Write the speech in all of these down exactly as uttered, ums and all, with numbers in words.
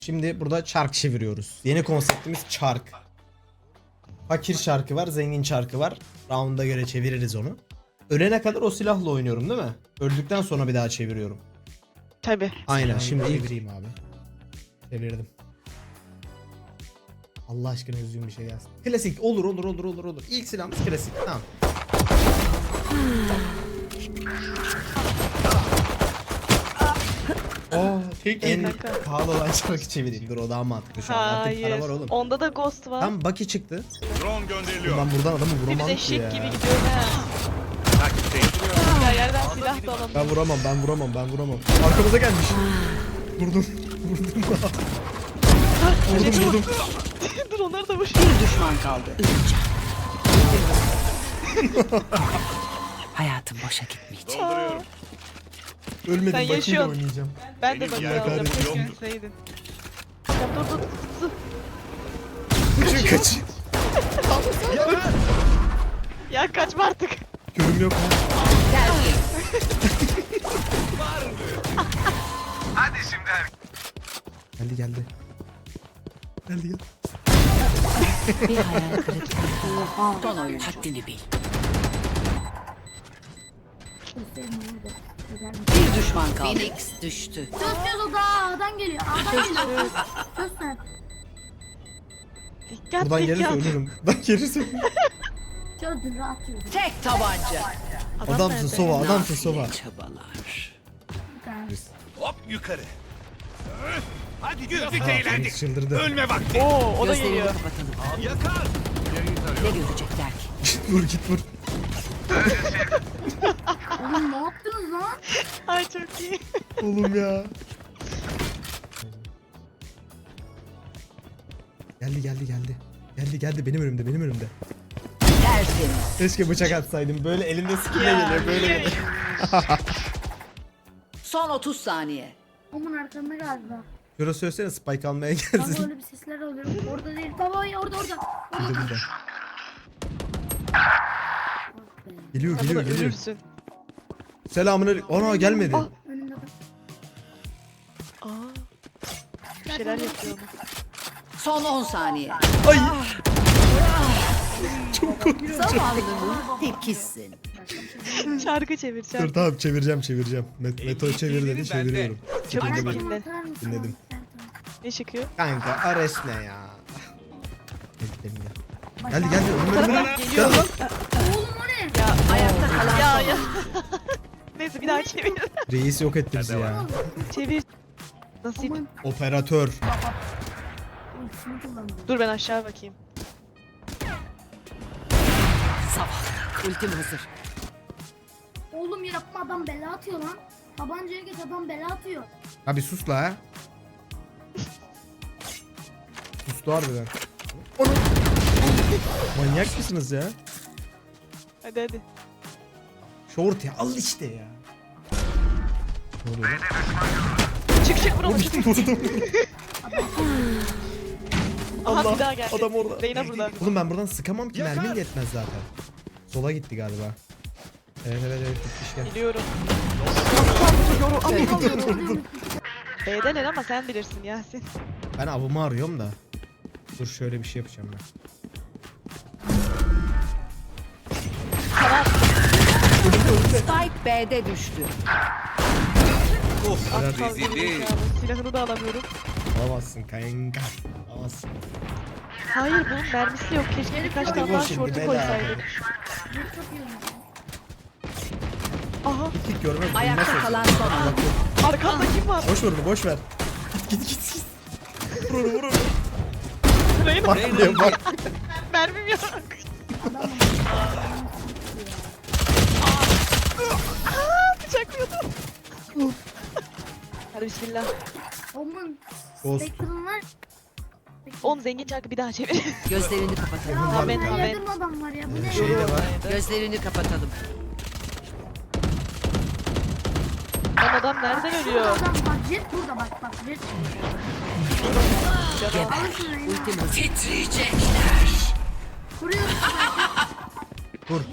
Şimdi burada çark çeviriyoruz. Yeni konseptimiz çark. Fakir çarkı var, zengin çarkı var. Round'a göre çeviririz onu. Ölene kadar o silahla oynuyorum değil mi? Öldükten sonra bir daha çeviriyorum. Tabi. Aynen, şimdi çevireyim abi. Çevirdim. Allah aşkına düzgün bir şey gelsin. Klasik olur olur olur olur olur. İlk silahımız klasik. Tamam. Oo, tek en pahalı olan çarkı çevireyim. Dur, o daha mantıklı şu an. Artık para Hayır. var oğlum. Onda da ghost var. Tam Bucky çıktı. Drone gönderiliyor. Ben buradan adamı Biz vuramam ki eşek ya. gibi gidiyor ha. Takipteyim. Ya yerden silah da alalım. Ben vuramam, ben vuramam, ben vuramam. Arkamıza gelmiş. Vurdum, vurdum. vurdum, vurdum. Dur onları da vur. Bir düşman kaldı. Hayatım boşa gitmeyecek. Dolduruyorum. Ölmedim, Sen Bucky'yle yaşıyorsun. oynayacağım. Ben de Benim bakıya yer alacağım. yok. Keşke gitseydin. Ya dur dur dur. Kaçın, kaç. Ya kaçma artık. Körüm yok ha. Hadi şimdi. Geldi, geldi. Geldi, geldi. Bir hayal kırıklığı. Son oyun. Haddini bil. Bir düşman kaldı. Phoenix düştü. Çöz çöz, o da A'dan geliyor. A'dan geliyor. Çöz sen. Dikkat Buradan gelirse dikkat. ölürüm. Buradan gelirse ölürüm. Çözdün, rahat çözdün. Tek tabanca. Adam Adamsın nerede? sova, adamsın sova. Çabalar. Hop yukarı. Hadi güldük eğlendik. Çıldırdı. Ölme vakti. Oo o da Gözlerini geliyor. kapatalım. Yakar. Ne görecekler ki? vur git vur. Oğlum ne yaptınız lan? Ay çok iyi. Oğlum ya. Geldi, geldi, geldi. Geldi, geldi, benim önümde, benim önümde. Tertemiz. Keşke bıçak atsaydım. Böyle elimde skille Ya, geliyor, böyle niye? geliyor. Son otuz saniye. Omun arkamda galiba. Şurası söylesene, spike almaya Baba gelsin. öyle bir sesler alıyorum. Orada değil. Baba ya, orada orada. Burada, burada. Geliyor, Sen geliyor, buna geliyor. ölürsün. Selamünaleyküm. Ana gelmedi. Ah. Önümde bak. Aa. Bir şeyler yapıyor onu. Son on saniye. Ay. Çok korktum. Zavallının tekisin. Şarkı çevir Dur şarkı. tamam, çevireceğim, çevireceğim. Met Meto çevir dedi, çeviriyorum. Çabuk Dinle çabuk beni. dinle. Atar mısın? Dinledim. Ne çıkıyor? Kanka Ares ne ya? Bekleyin ya. Geldi, geldi. Önüme, önüme. Geliyor. Gel lan. Oğlum o ne? Ya Ayakta kalan ya son ya. Neyse bir daha çevir. Reis yok etti bizi ya. Çevir. Nasip. Aman. Operatör. Ultisini kullandım. Dur ben aşağı bakayım. zavallı. Ultim hazır. Oğlum yapma, adam bela atıyor lan. Tabancaya geç, adam bela atıyor. Abi sus la ha. Sustu harbiden. Onu. Manyak mısınız ya? Hadi hadi. Short ya, al işte ya. Ne oluyor lan? Çık çık vur onu. çık. Vurdum. Aha Allah, bir daha geldi. adam orada. Reyna burada. Oğlum ben buradan sıkamam ki, mermim yetmez zaten. Sola gitti galiba. Evet evet evet, gitmiş gel. Biliyorum. B'den el ama sen bilirsin Yasin. Ben avımı arıyorum da. Dur şöyle bir şey yapacağım ben. Spike B'de düştü. Aptal geri zekalı. Silahını da alamıyorum. Alamazsın kanka. Alamazsın. Hayır bunun mermisi yok. Keşke birkaç Hadi tane vur daha şimdi, şortu bela. koysaydık. Bu çok iyi olmuş. Aha Git görmez. Ayakta bilmez kalan sözü. son oyun. arkamda kim var? Boş ver onu, boş ver. Git git git. Vur onu, vur onu. Reyna. Bak diye bak. Mermim yok. Aa, bıçaklıyordum. Hadi bismillah. Omun. Ghost. Spectre'ın var. Oğlum zengin çarkı bir daha çevir. Gözlerini kapatalım. Ya Amen, orada amen. yardım adam var ya. Bu ne? Şey de var. Gözlerini kapatalım. Lan adam nereden ölüyor? Adam bak, jet burada bak bak jet. Geber. Alırsın Reyna. Ultim hazır. Titriyecekler. Vuruyor. Vur.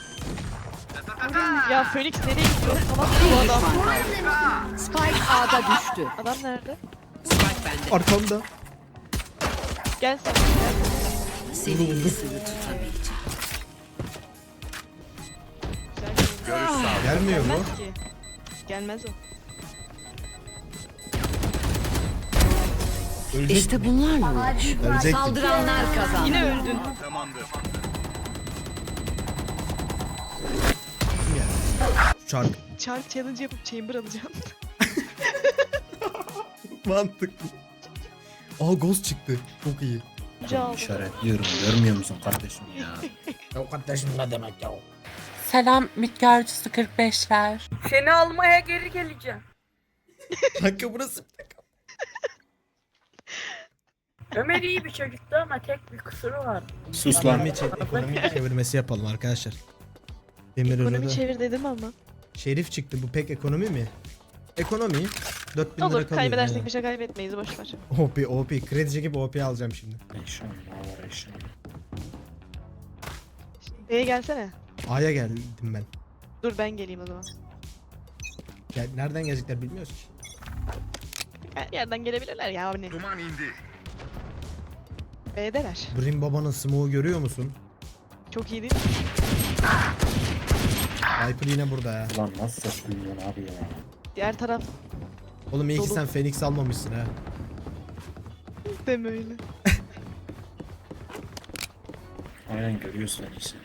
Ya Phoenix nereye gidiyor? Salak Bir bu adam. düşman kaldı. Spike A'da düştü. Adam nerede? Spike bende. Arkamda. Gel sen. Gel. Seni iyisini tutamayacağım. Güzel. Görüş sağ. Gelmiyor mu? Gelmez ki. Gelmez o. Ölecek İşte mi? bunlarla uğraş. Hadi Ölecektim. Saldıranlar kazandı. Yine öldün. Tamamdır. Çark. Çark challenge yapıp chamber alacağım. Mantıklı. Aa ghost çıktı. Çok iyi. Önce aldım. İşaretliyorum. Görmüyor musun kardeşim ya? Ya kardeşim ne demek ya? Selam mitgarcısı kırk beşler. Seni almaya geri geleceğim. Kanka burası. Ömer iyi bir çocuktu ama tek bir kusuru var. Sus lan. Ekonomi, çe- ekonomi çevirmesi yapalım arkadaşlar. Demir Ekonomi önünde. çevir dedim ama. Şerif çıktı. Bu pek ekonomi mi? Ekonomi. dört bin lira Olur kalıyor. kaybedersek yani. bir şey kaybetmeyiz boşver. O P, O P. Kredi çekip O P alacağım şimdi. İnşallah var inşallah. B'ye gelsene. A'ya geldim ben. Dur ben geleyim o zaman. Gel, nereden gelecekler bilmiyoruz ki. Her yerden gelebilirler ya hani. Duman indi. B'deler. Brim babanın smoke'u görüyor musun? Çok iyi değil mi? Viper yine burada ya. Ulan nasıl ses duyuyorsun abi ya? Diğer taraf Oğlum iyi ki Dolu. sen Phoenix almamışsın ha. deme öyle. Aynen görüyorsun en iyisi.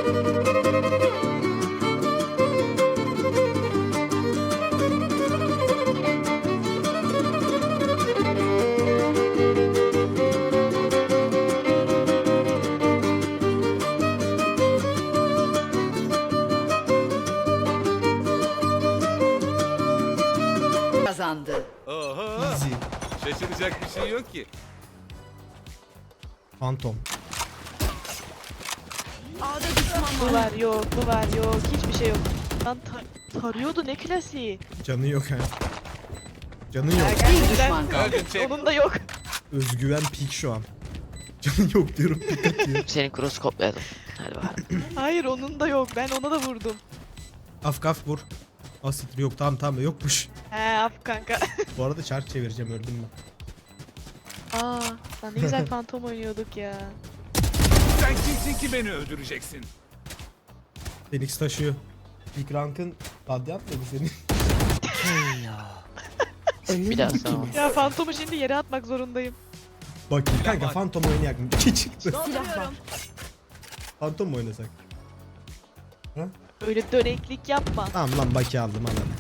Kazandı. Oho. Easy. Şaşıracak bir şey yok ki. Phantom. Bu var yok, bu var yok, hiçbir şey yok. Lan tar- tarıyordu ne klasiği. Canı yok ha. Canı yok. Bir düşman kaldı. Öldün çek. Onun da yok. Özgüven peak şu an. Canı yok diyorum. Peak atıyor. Senin cross kopyaladım. Hadi bakalım. Hayır onun da yok. Ben ona da vurdum. Af kaf vur. Asit yok tamam tamam yokmuş. He af kanka. Bu arada çark çevireceğim öldüm ben. Aa, lan ne güzel fantom oynuyorduk ya. Sen kimsin ki beni öldüreceksin? Phoenix taşıyor. Peak rank'ın radyant mı bu senin? Bir daha sana. Ya fantomu şimdi yere atmak zorundayım. Bak kanka Phantom oynayak mı? İki çıktı. Phantom mu oynasak? Öyle döneklik yapma. Tamam lan Baki aldım anladım.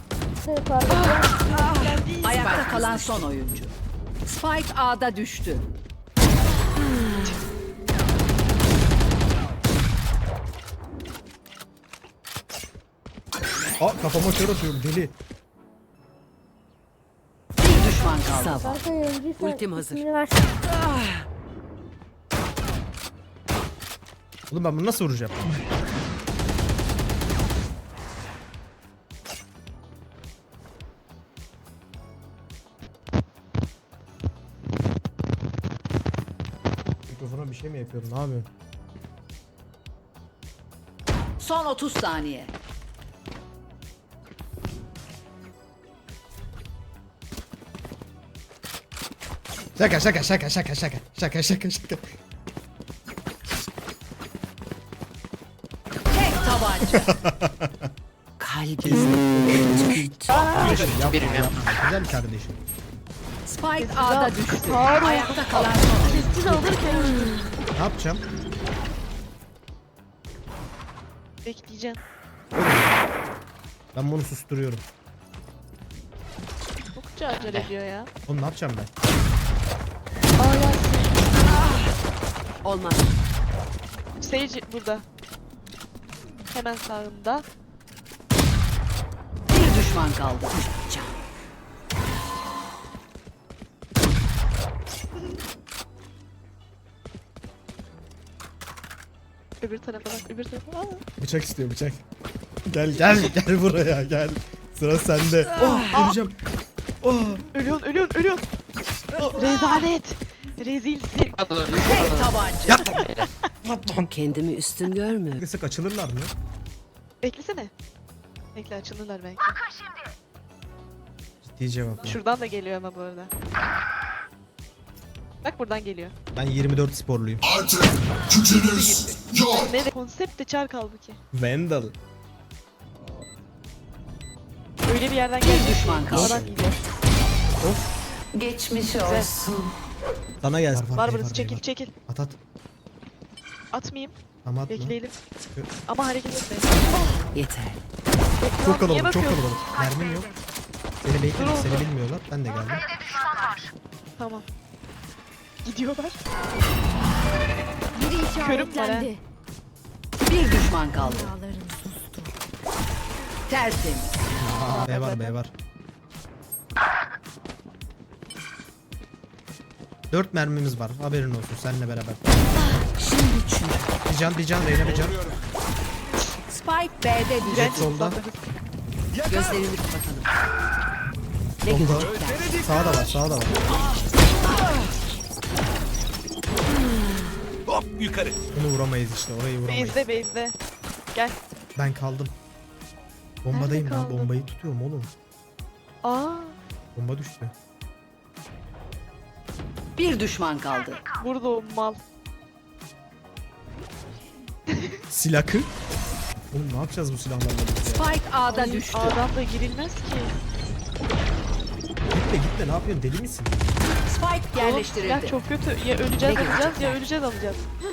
Ayakta kalan son oyuncu. Spike A'da düştü. Aa kafama kör atıyorum deli. Bir düşman kaldı. Ultim hazır. Oğlum ben bunu nasıl vuracağım? Mikrofona bir şey mi yapıyorum? Ne yapıyorum? Son otuz saniye. Şaka şaka şaka şaka şaka şaka şaka şaka. Tek tabanca. Kalbim. Kardeşim yapma Birim yapma. yapma. Güzel kardeşim. Spike A'da düştü. Ayakta kalan son oyuncu. Siz alırken Ne yapacağım? bekleyeceğim. Ben bunu susturuyorum. Çokça acele ediyor ya. Oğlum ne yapacağım ben? Olmaz. Sage burada. Hemen sağında. Bir düşman kaldı. Can. Öbür tarafa bak, öbür tarafa. Aa. Bıçak istiyor bıçak. Gel gel gel buraya gel. Sıra sende. Oh öleceğim. Oh. Ölüyorsun, ölüyorsun, ölüyorsun. Rezalet. Rezilsin. Tek tabanca. Kendimi üstün görmüyorum. Sık açılırlar mı? Beklesene. Bekle açılırlar belki. Ciddi cevap. ya. Şuradan da geliyor ama bu arada. Bak buradan geliyor. Ben yirmi dört sporluyum. Ne de konsept de çark halbuki. Vandal. Öyle bir yerden gelecek. düşman kaldı. Oradan geliyor. Geçmiş olsun. Sana gelsin. Var burası çekil çekil. At at. Atmayayım. Tamam atma. Bekleyelim. Ama hareket etme. Yeter. Çok Niye kalabalık çok bakıyorsun? kalabalık. Mermim yok. Seni bekledim Dur seni oğlum. bilmiyorlar. Ben de geldim. Tamam. Gidiyorlar. Biri Körüm var ha. işaretlendi. Bir düşman kaldı. Rüyalarım sustu. Tertemiz. B var B var. Dört mermimiz var. Haberin olsun seninle beraber. Şimdi çünkü. Bir can bir can Reyna bir can. Spike B'de düştü. Jet solda. Gözlerini kapatalım. Ne Solda. görecekler? Sağda var sağda var. Hop yukarı. Bunu vuramayız işte orayı vuramayız. Base'de base'de. Gel. Ben kaldım. Bombadayım Nerede ben kaldın? bombayı tutuyorum oğlum. Aa, Bomba düştü. Bir düşman kaldı. burada o mal. Silakı. Oğlum ne yapacağız bu silahlarla biz ya? Spike A'da düştü. A'dan da girilmez ki. Gitme gitme ne yapıyorsun deli misin? Spike Oğlum, silah yerleştirildi. çok kötü. Ya öleceğiz Ne alacağız ya öleceğiz alacağız.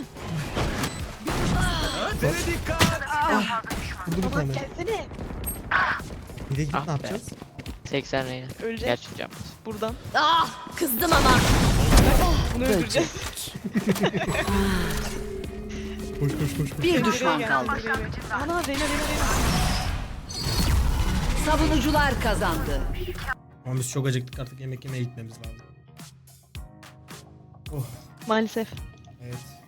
Tere dikkat. Vurdu bir Aman tane. gelsene. Bir de gidip Ah ne be. yapacağız? seksen Reyna. Öleceğiz Gerçi cam. buradan. Kızdım ama. Bunu öldüreceğiz. Koş koş koş koş. Bir Buraya düşman gel, kaldı. buraya gel. Ana Reyna Reyna Reyna. Savunucular kazandı. Ama biz çok acıktık artık yemek yemeye gitmemiz lazım. Oh Maalesef. evet.